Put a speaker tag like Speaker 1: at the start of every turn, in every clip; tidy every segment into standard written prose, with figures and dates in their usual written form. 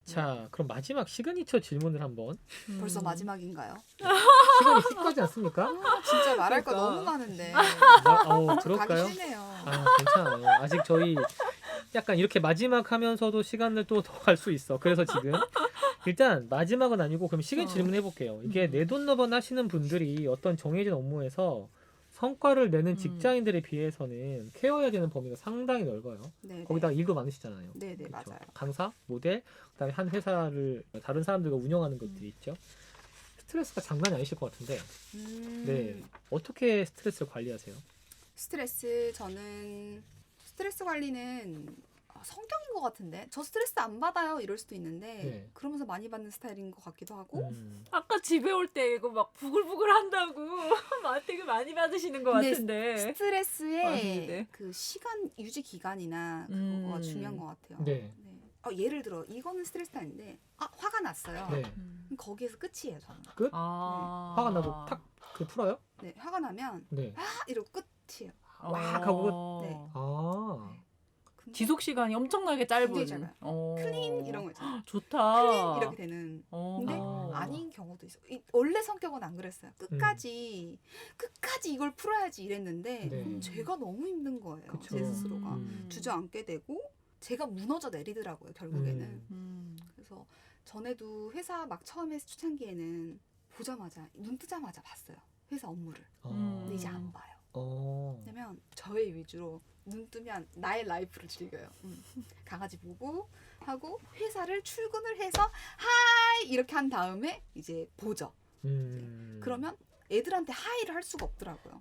Speaker 1: 자, 그럼 마지막 시그니처 질문을 한번.
Speaker 2: 벌써 마지막인가요?
Speaker 1: 시간이 훅 가지 않습니까?
Speaker 2: 진짜 말할 거
Speaker 3: 그러니까.
Speaker 2: 너무 많은데
Speaker 1: 그럴까요?
Speaker 2: 가기 싫네요.
Speaker 1: 괜찮아요. 아직 저희 약간 이렇게 마지막 하면서도 시간을 또 더 갈 수 있어. 그래서 지금 일단 마지막은 아니고 그럼 시간 질문해 볼게요. 이게 내돈너번 하시는 분들이 어떤 정해진 업무에서 성과를 내는 직장인들에 비해서는 케어해야 되는 범위가 상당히 넓어요.
Speaker 2: 네,
Speaker 1: 거기다가 일도 많으시잖아요.
Speaker 2: 네,
Speaker 1: 그렇죠?
Speaker 2: 맞아요.
Speaker 1: 강사, 모델, 그다음에 한 회사를 다른 사람들과 운영하는 것들이 있죠. 스트레스가 장난이 아니실 것 같은데, 네, 어떻게 스트레스를 관리하세요?
Speaker 2: 스트레스 저는 스트레스 관리는 성격인 것 같은데 저 스트레스 안 받아요 이럴 수도 있는데
Speaker 1: 네.
Speaker 2: 그러면서 많이 받는 스타일인 것 같기도 하고
Speaker 3: 아까 집에 올 때 이거 막 부글부글 한다고 되게 많이 받으시는 것
Speaker 2: 근데
Speaker 3: 같은데.
Speaker 2: 스트레스의
Speaker 3: 맞는데.
Speaker 2: 그 시간 유지 기간이나 그거가 중요한 것 같아요.
Speaker 1: 네.
Speaker 2: 예를 들어 이거는 스트레스 아닌데 화가 났어요.
Speaker 1: 네.
Speaker 2: 그럼 거기에서 끝이에요 저는.
Speaker 1: 끝?
Speaker 2: 네.
Speaker 1: 화가 나고 탁 풀어요?
Speaker 2: 네, 화가 나면
Speaker 1: 네.
Speaker 2: 이러고 끝이에요.
Speaker 1: 막 하고
Speaker 2: 네. 근데
Speaker 3: 지속 시간이 엄청나게 짧은.
Speaker 2: 굉장히 짧아요. 클린 이런 거 있잖아요.
Speaker 3: 좋다.
Speaker 2: 클린 이렇게 되는. 근데
Speaker 1: 아.
Speaker 2: 아닌 경우도 있어. 원래 성격은 안 그랬어요. 끝까지 이걸 풀어야지 이랬는데
Speaker 1: 네.
Speaker 2: 제가 너무 힘든 거예요.
Speaker 1: 그쵸.
Speaker 2: 제 스스로가
Speaker 1: 음.
Speaker 2: 주저앉게 되고 제가 무너져 내리더라고요. 결국에는. 그래서 전에도 회사 막 처음에 초창기에는 보자마자 눈 뜨자마자 봤어요. 회사 업무를. 근데 이제 안 봐요. 왜냐면 저의 위주로 눈 뜨면 나의 라이프를 즐겨요. 강아지 보고 하고 회사를 출근을 해서 하이 이렇게 한 다음에 이제 보죠. 그러면 애들한테 하이를 할 수가 없더라고요.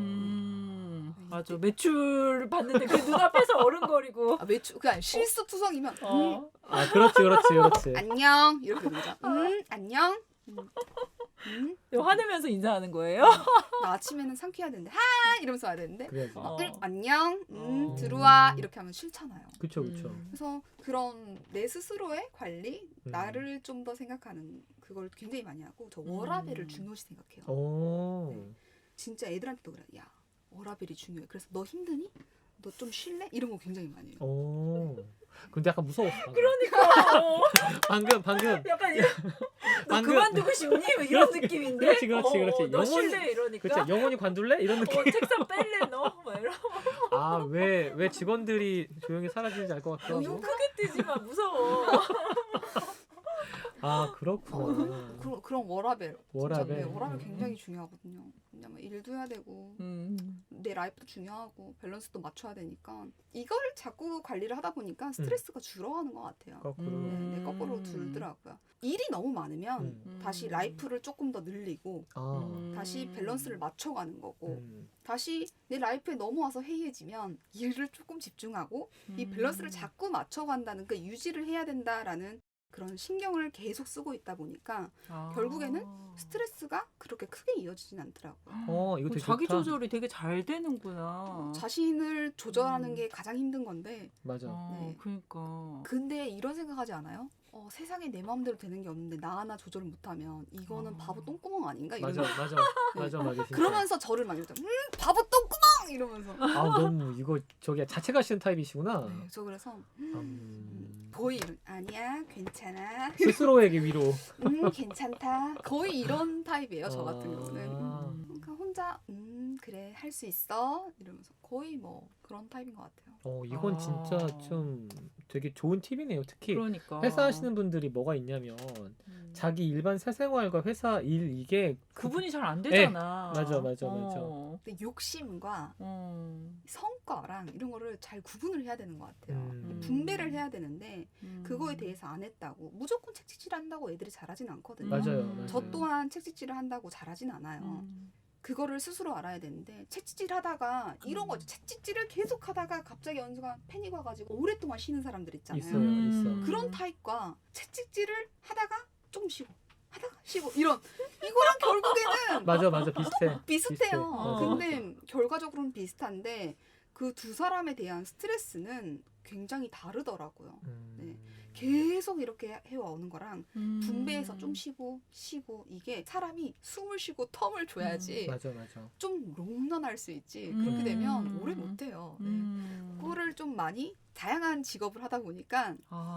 Speaker 3: 맞아. 매출 받는데 그 눈앞에서 어른거리고.
Speaker 2: 그냥 실수투성이면
Speaker 1: 그렇지.
Speaker 2: 안녕 이렇게 되죠. 안녕.
Speaker 3: 화내면서 인사하는 거예요?
Speaker 2: 나 아침에는 상쾌해야 되는데 하이 이러면서 와야 되는데
Speaker 1: 그래야지.
Speaker 2: 안녕 들어와 이렇게 하면 싫잖아요.
Speaker 1: 그쵸.
Speaker 2: 그래서 그런 내 스스로의 관리, 나를 좀 더 생각하는 그걸 굉장히 많이 하고 저 워라밸을 중요시 생각해요. 네. 진짜 애들한테도 그래. 야 워라밸이 중요해. 그래서 너 힘드니? 너 좀 쉴래? 이런 거 굉장히 많이 해요.
Speaker 1: 근데 약간 무서웠어.
Speaker 3: 그러니까.
Speaker 1: 방금.
Speaker 3: 약간 이런. 너 그만두고 싶니? 뭐 이런 느낌인데.
Speaker 1: 그렇지.
Speaker 3: 너 쉴래 이러니까.
Speaker 1: 그렇지. 영원히 관둘래? 이런 느낌.
Speaker 3: 책상 뺄래 너? 막 이러.
Speaker 1: 왜 직원들이 조용히 사라지는지 알 것 같기도 하고.
Speaker 3: 눈 크게 뜨지 마. 무서워.
Speaker 1: 그렇구나.
Speaker 2: 그런 워라밸.
Speaker 1: 워라밸.
Speaker 2: 워라밸 굉장히 중요하거든요. 왜냐면 일도 해야 되고 내 라이프도 중요하고 밸런스도 맞춰야 되니까 이걸 자꾸 관리를 하다 보니까 스트레스가 줄어가는 것 같아요. 네, 거꾸로 줄더라고요. 일이 너무 많으면 다시 라이프를 조금 더 늘리고 다시 밸런스를 맞춰가는 거고 다시 내 라이프에 넘어와서 해이해지면 일을 조금 집중하고 이 밸런스를 자꾸 맞춰간다는 그 유지를 해야 된다라는 그런 신경을 계속 쓰고 있다 보니까 결국에는 스트레스가 그렇게 크게 이어지진 않더라고요.
Speaker 1: 이거 되게
Speaker 3: 자기
Speaker 1: 좋다.
Speaker 3: 조절이 되게 잘 되는구나.
Speaker 2: 자신을 조절하는 게 가장 힘든 건데
Speaker 1: 맞아.
Speaker 2: 네.
Speaker 3: 그러니까.
Speaker 2: 근데 이런 생각하지 않아요? 세상에 내 마음대로 되는 게 없는데 나 하나 조절을 못하면 이거는 바보 똥구멍 아닌가? 이런
Speaker 1: 맞아. 진짜.
Speaker 2: 그러면서 저를 막 이러죠. 바보 똥구멍 이러면서.
Speaker 1: 너무 이거 자체가 싫은 타입이시구나.
Speaker 2: 네, 저 그래서 거의 아니야 괜찮아.
Speaker 1: 스스로에게 위로.
Speaker 2: 괜찮다. 거의 이런 타입이에요. 저 같은 경우는. 그러니까 혼자 그래 할 수 있어 이러면서 거의 뭐 그런 타입인 것 같아요.
Speaker 1: 이건 진짜 좀 되게 좋은 팁이네요. 특히
Speaker 3: 그러니까.
Speaker 1: 회사 하시는 분들이 뭐가 있냐면 자기 일반 사생활과 회사 일 이게
Speaker 3: 구분이 잘 안 되잖아.
Speaker 1: 맞아.
Speaker 2: 근데 욕심과 성과랑 이런 거를 잘 구분을 해야 되는 것 같아요. 분배를 해야 되는데 그거에 대해서 안 했다고 무조건 책찍질 한다고 애들이 잘하진 않거든요.
Speaker 1: 맞아요.
Speaker 2: 저 또한 책찍질을 한다고 잘하진 않아요. 그거를 스스로 알아야 되는데 책찍질 하다가 이런 거죠. 책찍질을 계속 하다가 갑자기 어느 순간 패닉 와가지고 오랫동안 쉬는 사람들 있잖아요.
Speaker 1: 있어.
Speaker 2: 그런 타입과 책찍질을 하다가 조금 쉬고 하다가 쉬고 이거랑 결국에는
Speaker 1: 맞아.
Speaker 2: 비슷해요.
Speaker 1: 맞아.
Speaker 2: 근데 결과적으로는 비슷한데 그 두 사람에 대한 스트레스는 굉장히 다르더라고요. 네. 계속 이렇게 해와오는 거랑 분배해서 좀 쉬고 이게 사람이 숨을 쉬고 텀을 줘야지
Speaker 1: 맞아.
Speaker 2: 좀 롱런할 수 있지. 그렇게 되면 오래 못해요. 네. 그거를 좀 많이 다양한 직업을 하다 보니까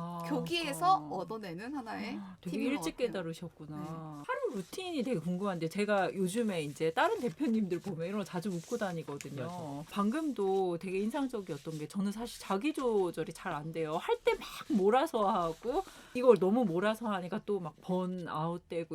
Speaker 2: 거기에서 얻어내는 하나의
Speaker 3: 되게
Speaker 2: 팁인 것
Speaker 3: 일찍
Speaker 2: 같아요.
Speaker 3: 깨달으셨구나.
Speaker 2: 네.
Speaker 3: 하루 루틴이 되게 궁금한데 제가 요즘에 이제 다른 대표님들 보면 이런 거 자주 묻고 다니거든요.
Speaker 1: 맞아.
Speaker 3: 방금도 되게 인상적이었던 게 저는 사실 자기 조절이 잘 안 돼요. 할 때 막 몰아서 하고 이걸 너무 몰아서 하니까 또 막 번아웃 되고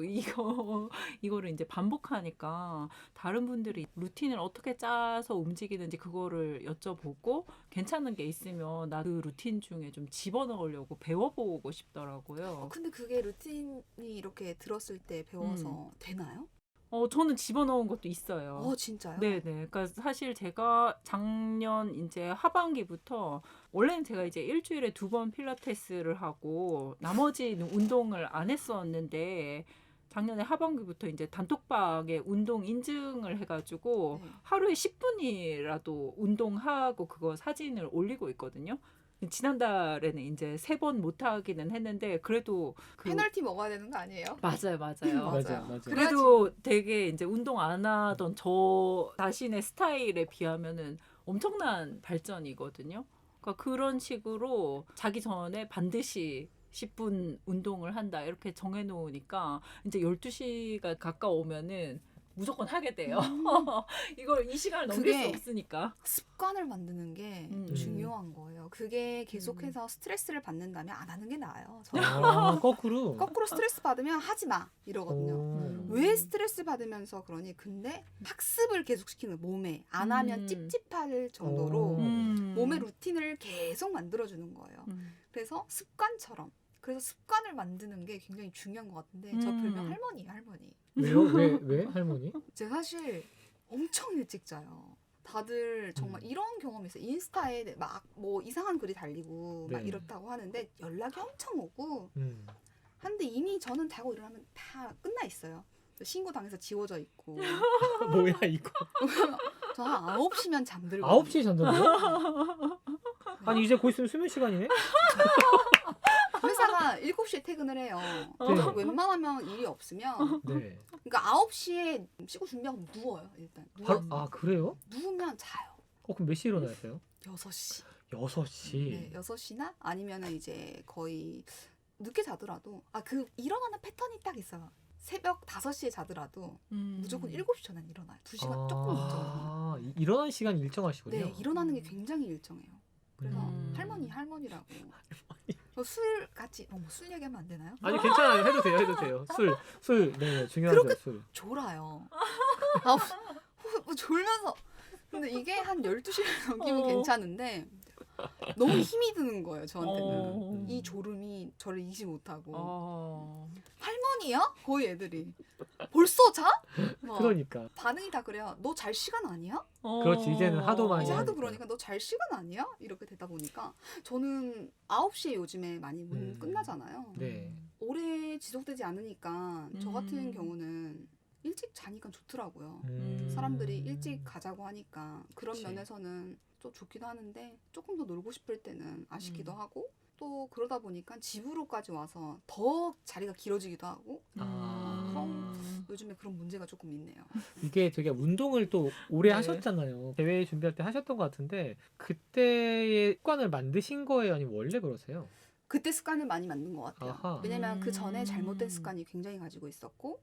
Speaker 3: 이거를 이제 반복하니까 다른 분들이 루틴을 어떻게 짜서 움직이는지 그거를 여쭤보고 괜찮은 게 있으면 나 그 루틴 중에 좀 집어넣으려고 배워보고 싶더라고요.
Speaker 2: 근데 그게 루틴이 이렇게 들었을 때 배워서 되나요?
Speaker 3: 저는 집어넣은 것도 있어요.
Speaker 2: 진짜요?
Speaker 3: 네네. 그러니까 사실 제가 작년 이제 하반기부터 원래는 제가 이제 일주일에 2번 필라테스를 하고 나머지는 운동을 안 했었는데 작년에 하반기부터 이제 단톡방에 운동 인증을 해가지고
Speaker 2: 네.
Speaker 3: 하루에 10분이라도 운동하고 그거 사진을 올리고 있거든요. 지난달에는 이제 3번 못 하기는 했는데 그래도
Speaker 2: 페널티 먹어야 되는 거 아니에요?
Speaker 3: 맞아요.
Speaker 1: 맞아.
Speaker 3: 그래도 되게 이제 운동 안 하던 저 자신의 스타일에 비하면은 엄청난 발전이거든요. 그러니까 그런 식으로 자기 전에 반드시 10분 운동을 한다 이렇게 정해놓으니까 이제 12시가 가까우면은 무조건 하게 돼요. 이걸 이 시간을 넘길 수
Speaker 2: 그게
Speaker 3: 없으니까.
Speaker 2: 습관을 만드는 게 중요한 거예요. 그게 계속해서
Speaker 3: 음.
Speaker 2: 스트레스를 받는다면 안 하는 게 나아요. 저는
Speaker 1: 거꾸로.
Speaker 2: 거꾸로 스트레스 받으면 하지 마 이러거든요. 왜 스트레스 받으면서 그러니? 근데 학습을 계속 시키는 몸에 안 하면 찝찝할 정도로 몸의 루틴을 계속 만들어주는 거예요. 그래서 습관처럼. 그래서 습관을 만드는 게 굉장히 중요한 것 같은데 저 별명 할머니예요, 할머니.
Speaker 1: 왜요? 왜 할머니?
Speaker 2: 제가 사실 엄청 일찍 자요. 다들 정말 이런 경험이 있어요. 인스타에 막 뭐 이상한 글이 달리고 막
Speaker 1: 네.
Speaker 2: 이렇다고 하는데 연락이 엄청 오고
Speaker 1: 음.
Speaker 2: 한데 이미 저는 자고 일어나면 다 끝나 있어요. 신고 당해서 지워져 있고.
Speaker 1: 뭐야 이거?
Speaker 2: 저 한 9시면 잠들고.
Speaker 1: 9시에 잔다고요? 아니 이제 곧 있으면 수면 시간이네?
Speaker 2: 회사가 7시에 퇴근을 해요.
Speaker 1: 네.
Speaker 2: 웬만하면 일이 없으면
Speaker 1: 네.
Speaker 2: 그러니까 9시에 씻고 준비하고 누워요. 일단 누워서.
Speaker 1: 그래요?
Speaker 2: 누우면 자요.
Speaker 1: 그럼 몇 시에 일어나세요?
Speaker 2: 6시.
Speaker 1: 6시.
Speaker 2: 네, 6시나 아니면은 이제 거의 늦게 자더라도 그 일어나는 패턴이 딱 있어요. 새벽 5시에 자더라도 무조건 7시 전엔 일어나요. 2시간 조금 늦죠.
Speaker 1: 일어나는 시간이 일정하시군요.
Speaker 2: 네, 일어나는 게 굉장히 일정해요. 그래서 할머니라고. 술 같이 술 얘기하면 안 되나요?
Speaker 1: 아니 괜찮아요. 해도 돼요. 술 네, 중요하죠.
Speaker 2: 그렇게
Speaker 1: 술.
Speaker 2: 졸아요. 뭐 졸면서 근데 이게 한 12시를 넘기면 괜찮은데 너무 힘이 드는 거예요, 저한테는. 이 졸음이 저를 이기지 못하고. 할머니야? 거의 애들이. 벌써 자?
Speaker 1: 그러니까.
Speaker 2: 반응이 다 그래요. 너 잘 시간 아니야?
Speaker 1: 그렇지, 이제는 하도 많이
Speaker 2: 이제 하도
Speaker 1: 하니까.
Speaker 2: 그러니까 너 잘 시간 아니야? 이렇게 되다 보니까 저는 9시에 요즘에 많이 문 끝나잖아요.
Speaker 1: 네.
Speaker 2: 오래 지속되지 않으니까 저 같은 경우는 일찍 자니까 좋더라고요. 사람들이 일찍 가자고 하니까 그런
Speaker 1: 그치.
Speaker 2: 면에서는 좀 좋기도 하는데 조금 더 놀고 싶을 때는 아쉽기도 하고 또 그러다 보니까 집으로까지 와서 더 자리가 길어지기도 하고 요즘에 그런 문제가 조금 있네요.
Speaker 1: 이게 되게 운동을 또 오래
Speaker 3: 네.
Speaker 1: 하셨잖아요. 대회 준비할 때 하셨던 것 같은데 그때의 습관을 만드신 거예요? 아니면 원래 그러세요?
Speaker 2: 그때 습관을 많이 만든 것 같아요.
Speaker 1: 아하.
Speaker 2: 왜냐면 그 전에 잘못된 습관이 굉장히 가지고 있었고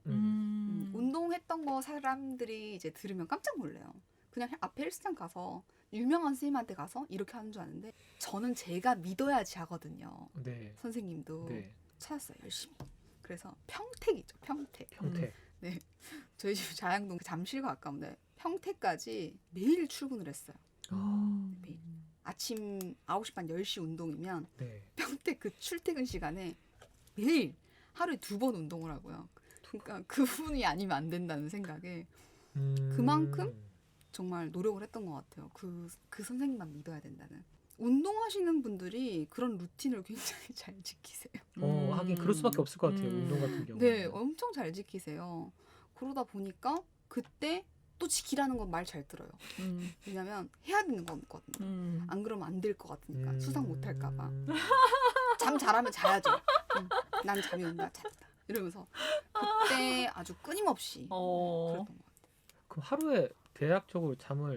Speaker 2: 운동했던 거 사람들이 이제 들으면 깜짝 놀래요. 그냥 앞에 헬스장 가서 유명한 선생님한테 가서 이렇게 하는 줄 아는데 저는 제가 믿어야지 하거든요.
Speaker 1: 네.
Speaker 2: 선생님도
Speaker 1: 네.
Speaker 2: 찾았어요, 열심히. 그래서 평택이죠, 평택.
Speaker 1: 평택.
Speaker 2: 네, 저희 집 자양동 잠실과 가까운데 평택까지 매일 출근을 했어요. 매일. 아침 9시 반 10시 운동이면
Speaker 1: 네.
Speaker 2: 평택 그 출퇴근 시간에 매일 하루에 2번 운동을 하고요. 그러니까 그분이 아니면 안 된다는 생각에 그만큼 정말 노력을 했던 것 같아요. 그 선생님만 믿어야 된다는. 운동하시는 분들이 그런 루틴을 굉장히 잘 지키세요.
Speaker 1: 하긴 그럴 수밖에 없을 것 같아요. 운동 같은 경우.
Speaker 2: 네, 엄청 잘 지키세요. 그러다 보니까 그때 또 지키라는 건 말 잘 들어요. 왜냐면 해야 되는 거거든요. 안 그러면 안 될 것 같으니까 수상 못 할까 봐. 잠 잘하면 자야죠. 난 잠이 온다. 잤다. 이러면서 그때 아주 끊임없이 그랬던 것 같아요.
Speaker 1: 그럼 하루에 대략적으로 잠을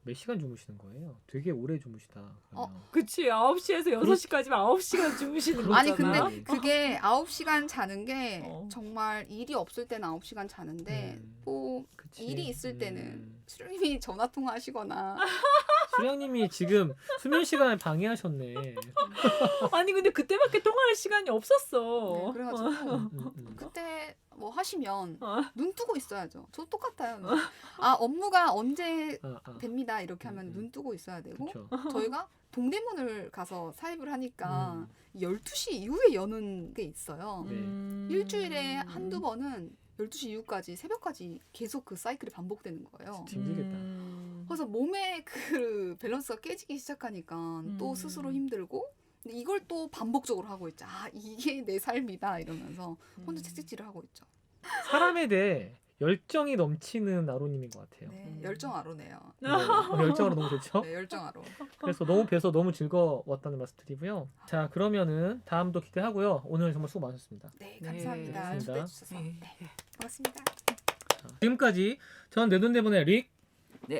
Speaker 1: 몇 시간 주무시는 거예요? 되게 오래 주무시다. 그러면.
Speaker 3: 그치 9시에서 6시까지면 9시간 주무시는 거잖아.
Speaker 2: 아니 근데 그게 9시간 자는 게 정말 일이 없을 때는 9시간 자는데 뭐
Speaker 1: 그치.
Speaker 2: 일이 있을 때는 수령님이 전화 통화하시거나
Speaker 1: 수령님이 지금 수면 시간을 방해하셨네.
Speaker 3: 아니 근데 그때밖에 통화할 시간이
Speaker 2: 네,
Speaker 3: 없었어.
Speaker 2: 그래가지고 그때 뭐 하시면 눈 뜨고 있어야죠. 저 똑같아요. 업무가 언제 됩니다 이렇게 하면 눈 뜨고 있어야 되고
Speaker 1: 그쵸.
Speaker 2: 저희가 동대문을 가서 사입을 하니까 12시 이후에 여는 게 있어요.
Speaker 1: 네.
Speaker 2: 일주일에 한두 번은 12시 이후까지 새벽까지 계속 그 사이클이 반복되는 거예요.
Speaker 1: 힘들겠다.
Speaker 2: 그래서 몸의 그 밸런스가 깨지기 시작하니까 또 스스로 힘들고 근데 이걸 또 반복적으로 하고 있죠. 이게 내 삶이다 이러면서 혼자 채찍질을 하고 있죠.
Speaker 1: 사람에 대해 열정이 넘치는 아로님인 것 같아요.
Speaker 2: 네, 열정아로네요.
Speaker 1: 네. 열정으로 너무 좋죠?
Speaker 2: 네, 열정아로.
Speaker 1: 그래서 너무 뵈서 너무 즐거웠다는 말씀 드리고요. 자, 그러면은 다음도 기대하고요. 오늘 정말 수고 많으셨습니다.
Speaker 2: 네, 감사합니다.
Speaker 1: 네,
Speaker 2: 초대해 주셔서. 네, 고맙습니다.
Speaker 1: 자, 지금까지 전 내돈내분의 릭이었습니다.
Speaker 3: 네,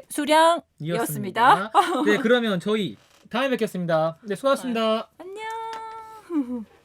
Speaker 3: 수량이었습니다.
Speaker 1: 네, 그러면 저희 다음에 뵙겠습니다. 네, 수고하셨습니다.
Speaker 3: 안녕.